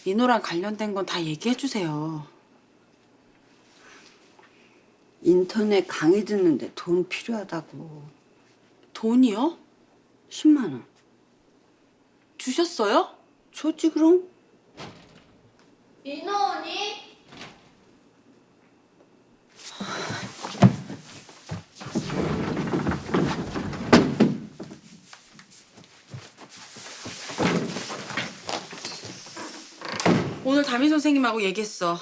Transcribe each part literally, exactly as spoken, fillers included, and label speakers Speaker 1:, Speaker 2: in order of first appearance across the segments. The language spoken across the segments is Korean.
Speaker 1: 민호랑 관련된 건 다 얘기해 주세요.
Speaker 2: 인터넷 강의 듣는데 돈 필요하다고.
Speaker 1: 돈이요?
Speaker 2: 십만 원.
Speaker 1: 주셨어요?
Speaker 2: 줬지 그럼?
Speaker 3: 민호 언니?
Speaker 1: 오늘 담임 선생님하고 얘기했어.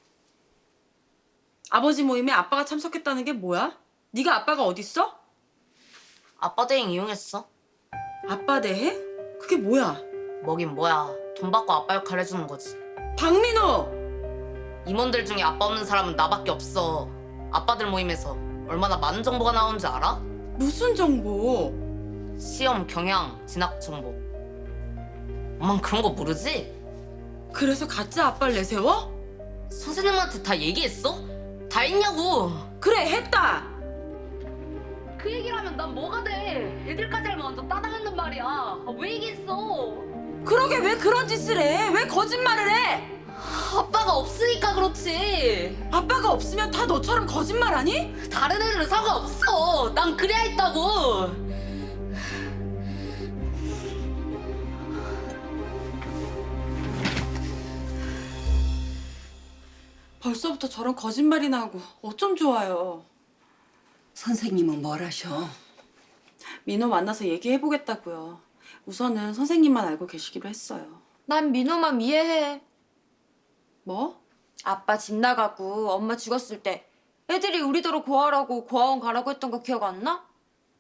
Speaker 1: 아버지 모임에 아빠가 참석했다는 게 뭐야? 네가 아빠가 어딨어?
Speaker 3: 아빠 대행 이용했어.
Speaker 1: 아빠 대해? 그게 뭐야?
Speaker 3: 뭐긴 뭐야. 돈 받고 아빠 역할 해주는 거지.
Speaker 1: 박민호!
Speaker 3: 임원들 중에 아빠 없는 사람은 나밖에 없어. 아빠들 모임에서 얼마나 많은 정보가 나오는지 알아?
Speaker 1: 무슨 정보?
Speaker 3: 시험, 경향, 진학 정보. 엄만 그런 거 모르지?
Speaker 1: 그래서 가짜 아빠를 내세워?
Speaker 3: 선생님한테 다 얘기했어? 다 했냐고.
Speaker 1: 그래, 했다!
Speaker 3: 그 얘기를 하면 난 뭐가 돼? 애들까지 알면 완전 따당했는 말이야. 아, 왜 얘기했어?
Speaker 1: 그러게 왜 그런 짓을 해? 왜 거짓말을 해?
Speaker 3: 아빠가 없으니까 그렇지.
Speaker 1: 아빠가 없으면 다 너처럼 거짓말하니?
Speaker 3: 다른 애들은 상관없어. 난 그래야 했다고.
Speaker 1: 벌써부터 저런 거짓말이나 하고 어쩜 좋아요.
Speaker 2: 선생님은 뭘 하셔?
Speaker 1: 민호 만나서 얘기해보겠다고요. 우선은 선생님만 알고 계시기로 했어요.
Speaker 4: 난 민호만 이해해.
Speaker 1: 뭐?
Speaker 4: 아빠 집 나가고 엄마 죽었을 때 애들이 우리더러 고아라고 고아원 가라고 했던 거 기억 안 나?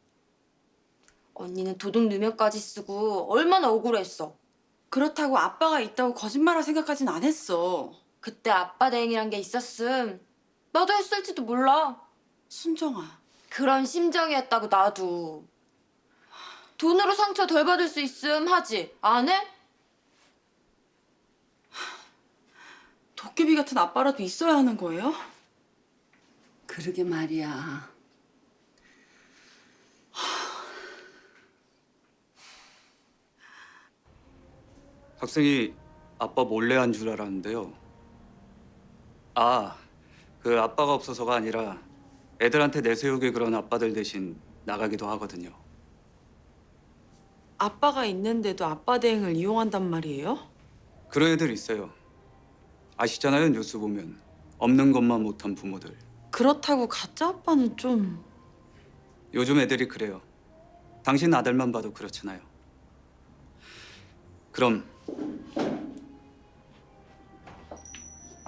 Speaker 4: 언니는 도둑 누명까지 쓰고 얼마나 억울했어.
Speaker 1: 그렇다고 아빠가 있다고 거짓말할 생각까진 안 했어.
Speaker 4: 그때 아빠 대행이란 게 있었음 나도 했을지도 몰라.
Speaker 1: 순정아.
Speaker 4: 그런 심정이었다고 나도. 돈으로 상처 덜 받을 수 있음 하지 안 해?
Speaker 1: 도깨비 같은 아빠라도 있어야 하는 거예요?
Speaker 2: 그러게 말이야.
Speaker 5: 학생이 아빠 몰래 한 줄 알았는데요. 아, 그 아빠가 없어서가 아니라 애들한테 내세우게 그런 아빠들 대신 나가기도 하거든요.
Speaker 1: 아빠가 있는데도 아빠 대행을 이용한단 말이에요?
Speaker 5: 그런 애들 있어요. 아시잖아요, 뉴스 보면. 없는 것만 못한 부모들.
Speaker 1: 그렇다고 가짜 아빠는 좀...
Speaker 5: 요즘 애들이 그래요. 당신 아들만 봐도 그렇잖아요. 그럼